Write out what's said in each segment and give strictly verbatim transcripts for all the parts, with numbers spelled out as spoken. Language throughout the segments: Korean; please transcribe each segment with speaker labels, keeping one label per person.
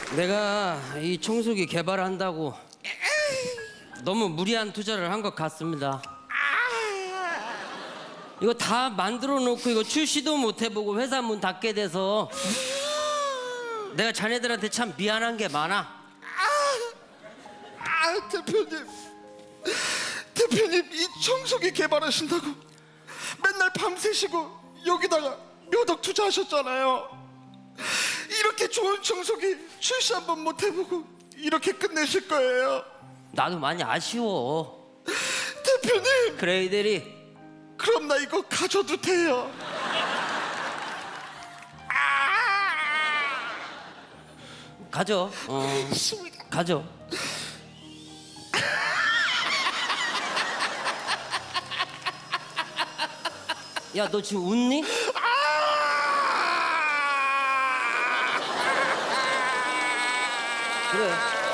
Speaker 1: 내가 이 청소기 개발한다고 너무 무리한 투자를 한 것 같습니다. 이거 다 만들어 놓고 이거 출시도 못 해보고 회사 문 닫게 돼서 내가 자네들한테 참 미안한 게 많아.
Speaker 2: 아, 대표님, 대표님 이 청소기 개발하신다고 맨날 밤새시고 여기다가 몇 억 투자하셨잖아요. 이렇게 좋은 청소기 출시 한번 못 해보고 이렇게 끝내실 거예요.
Speaker 1: 나도 많이 아쉬워.
Speaker 2: 대표님,
Speaker 1: 그래 이대리.
Speaker 2: 그럼 나 이거 가져도 돼요?
Speaker 1: 가져. 어, 가져. 야, 너 지금 웃니? 그래.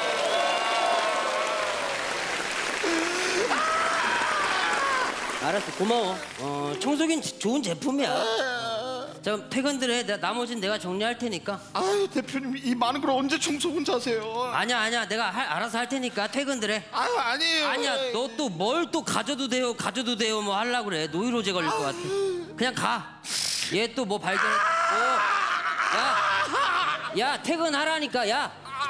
Speaker 1: 알았어, 고마워. 어, 청소기는 지- 좋은 제품이야. 자, 그럼 퇴근들 해. 내가 나머지는 내가 정리할 테니까.
Speaker 2: 아유, 대표님 이 많은 걸 언제 청소 혼자 하세요?
Speaker 1: 아니야, 아니야. 내가 할- 알아서 할 테니까 퇴근들 해.
Speaker 2: 아유, 아니에요.
Speaker 1: 아니야, 너 또 뭘 또 가져도 돼요, 가져도 돼요 뭐 하려고 그래. 노이로제 걸릴 것 같아. 그냥 가. 얘 또 뭐 발견. 어. 야, 야 퇴근하라니까. 야.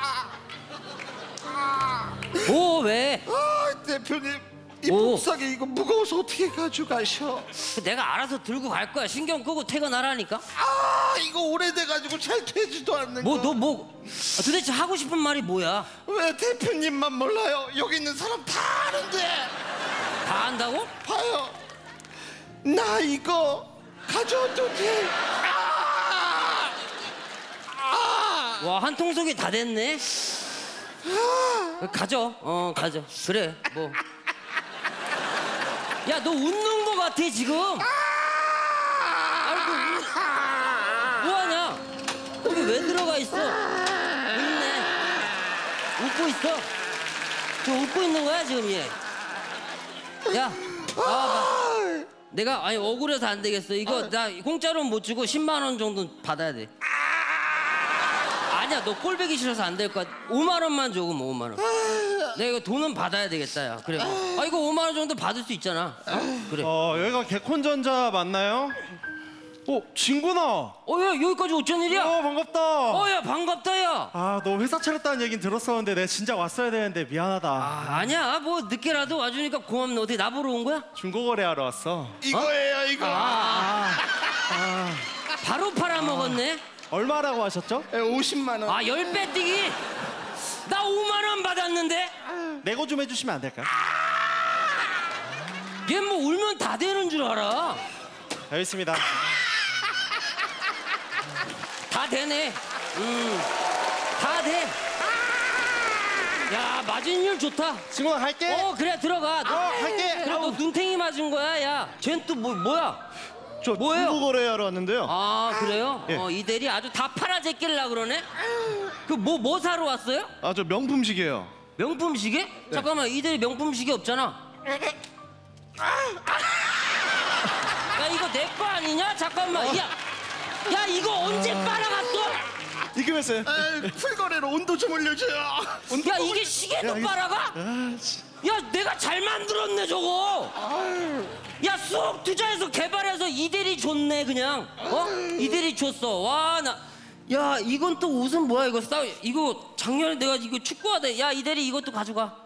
Speaker 1: 오 왜?
Speaker 2: 아, 대표님 이
Speaker 1: 오.
Speaker 2: 복사기 이거 무거워서 어떻게 가져가셔?
Speaker 1: 내가 알아서 들고 갈 거야. 신경 끄고 퇴근하라니까.
Speaker 2: 아, 이거 오래돼가지고 잘 되지도 않는
Speaker 1: 뭐
Speaker 2: 거.
Speaker 1: 너 뭐 도대체 하고 싶은 말이 뭐야?
Speaker 2: 왜 대표님만 몰라요? 여기 있는 사람 다 아는데.
Speaker 1: 다 안다고?
Speaker 2: 봐요, 나 이거 가져도 돼? 아! 아!
Speaker 1: 와, 한 통속이 다 됐네. 가져. 어, 가져. 그래. 뭐. 야, 너 웃는 거 같아 지금. 아이고, 웃- 뭐하냐? 거기 왜 들어가 있어? 웃네. 웃고 있어. 지금 웃고 있는 거야 지금 얘. 야, 나와봐. 내가 아니 억울해서 안 되겠어. 이거 나 공짜로는 못 주고 십만 원 정도 받아야 돼. 아니야, 너 꼴배기 싫어서 안 될 거야. 오만 원만 줘, 그럼 오만 원. 내가 이거 돈은 받아야 되겠다, 야. 그래. 아, 이거 오만 원 정도 받을 수 있잖아. 어? 그래.
Speaker 3: 어, 여기가 개콘전자 맞나요? 어, 진구나.
Speaker 1: 어, 야, 여기까지 어쩐 일이야?
Speaker 3: 어, 반갑다.
Speaker 1: 어, 야, 반갑다, 야.
Speaker 3: 아, 너 회사 차렸다는 얘긴 들었었는데 내가 진짜 왔어야 되는데 미안하다.
Speaker 1: 아, 아니야, 뭐 늦게라도 와주니까 고맙네. 어떻게 나 보러 온 거야?
Speaker 3: 중고거래하러 왔어.
Speaker 2: 이거예요, 이거.
Speaker 1: 아, 바로 팔아먹었네.
Speaker 3: 얼마라고 하셨죠?
Speaker 2: 예, 오십만 원.
Speaker 1: 아, 열 배 뛰기. 나 오만 원 받았는데.
Speaker 3: 내고 좀 해주시면 안 될까요?
Speaker 1: 얘 뭐 울면 다 되는 줄 알아.
Speaker 3: 여기 있습니다.
Speaker 1: 다 되네. 음, 다 돼. 야, 맞은율 좋다.
Speaker 3: 친구나 갈게.
Speaker 1: 어, 그래, 들어가. 너,
Speaker 3: 어, 할게.
Speaker 1: 그래, 너 눈탱이 맞은 거야, 야. 쟨 또 뭐, 뭐야?
Speaker 3: 저
Speaker 1: 뭐예요?
Speaker 3: 중고거래하러 왔는데요.
Speaker 1: 아, 그래요?
Speaker 3: 예.
Speaker 1: 어, 이 대리 아주 다 팔아제낄라 그러네? 그 뭐, 뭐 사러 왔어요?
Speaker 3: 아, 저 명품 시계요.
Speaker 1: 명품 시계? 잠깐만, 이 대리 명품 시계 없잖아. 야, 이거 내 거 아니냐? 잠깐만, 야. 야, 이거 언제 빨아갔어?
Speaker 3: 입금했어요.
Speaker 2: 에이, 풀거래로 온도 좀 올려줘요. 온도
Speaker 1: 야,
Speaker 2: 좀
Speaker 1: 이게 시계도
Speaker 3: 야, 이거-
Speaker 1: 빨아가?
Speaker 3: 아, 씨.
Speaker 1: 야, 내가 잘 만들었네 저거. 야, 수억 투자해서 개발해서 이대리 줬네 그냥. 어? 이대리 줬어. 와, 나. 야, 이건 또 옷은 뭐야 이거 싸. 이거 작년에 내가 이거 축구하다. 야, 이대리 이것도 가져가.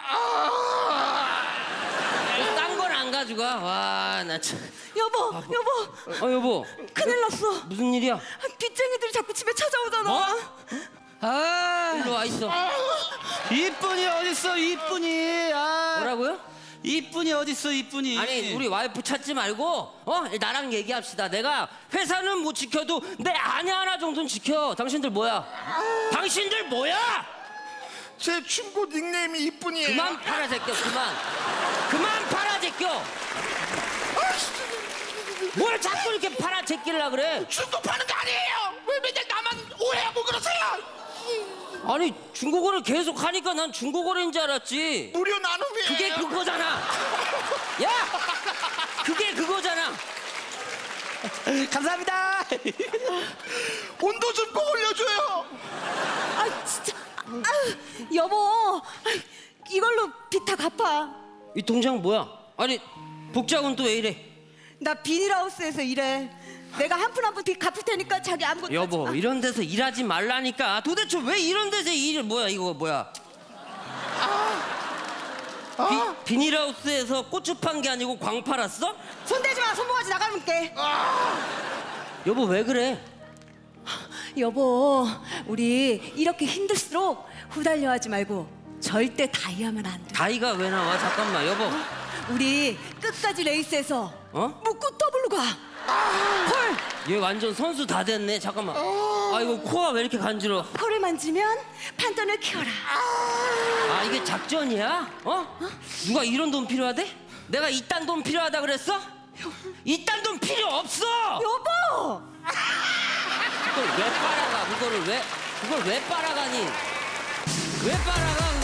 Speaker 1: 딴 건 안 가져가. 와, 나 참.
Speaker 4: 여보, 여보,
Speaker 1: 어, 여보.
Speaker 4: 큰일 났어.
Speaker 1: 무슨 일이야?
Speaker 4: 뒷쟁이들이 자꾸 집에 찾아오잖아.
Speaker 1: 뭐?
Speaker 5: 아,
Speaker 1: 일로 와 있어.
Speaker 5: 이쁜이 어딨어, 이쁜이. 아,
Speaker 1: 뭐라고요?
Speaker 5: 이쁜이 어딨어, 이쁜이.
Speaker 1: 아니, 우리 와이프 찾지 말고 어 나랑 얘기합시다. 내가 회사는 못 지켜도 내 아내 하나 정도는 지켜. 당신들 뭐야? 당신들 뭐야?
Speaker 2: 제 중고 닉네임이 이쁜이에요.
Speaker 1: 그만 팔아 제껴. 그만. 그만 팔아 제껴. 뭘 자꾸 이렇게 팔아 제끼려 그래?
Speaker 2: 중고 파는 거 아니에요. 왜 맨날 나만 오해하고 그러세요?
Speaker 1: 아니, 중고거래 계속 하니까 난 중고거래인 줄 알았지.
Speaker 2: 무료 나눔이에요.
Speaker 1: 그게 그거잖아. 야, 그게 그거잖아.
Speaker 5: 감사합니다.
Speaker 2: 온도 좀 꼭 올려줘요.
Speaker 4: 아 진짜. 아, 여보, 아이, 이걸로 빚 다 갚아.
Speaker 1: 이 통장 뭐야? 아니 복장은 또 왜 이래?
Speaker 4: 나 비닐하우스에서 일해. 내가 한 푼 한 푼 빚 갚을 테니까 자기 아무것도
Speaker 1: 여보
Speaker 4: 하지 마.
Speaker 1: 이런 데서 일하지 말라니까. 도대체 왜 이런 데서 일을 뭐야 이거 뭐야? 비, 비닐하우스에서 고추 판 게 아니고 광 팔았어?
Speaker 4: 손대지 마. 손모가지 나가볼게.
Speaker 1: 여보 왜 그래?
Speaker 4: 여보, 우리 이렇게 힘들수록 후달려 하지 말고 절대 다이하면 안 돼.
Speaker 1: 다이가 왜 나와? 잠깐만 여보.
Speaker 4: 우리 끝까지 레이스에서
Speaker 1: 어?
Speaker 4: 묶고 더블로 가. 헐,
Speaker 1: 얘 완전 선수 다 됐네. 잠깐만. 아 이거 코가 왜 이렇게 간지러?
Speaker 4: 펄을 만지면 판돈을 키워라.
Speaker 1: 아 이게 작전이야? 어? 누가 이런 돈 필요하대? 내가 이딴 돈 필요하다 그랬어? 이딴 돈 필요 없어!
Speaker 4: 여보,
Speaker 1: 그걸 왜 빨아가? 그거를 왜 그걸 왜 빨아가니? 왜 빨아가?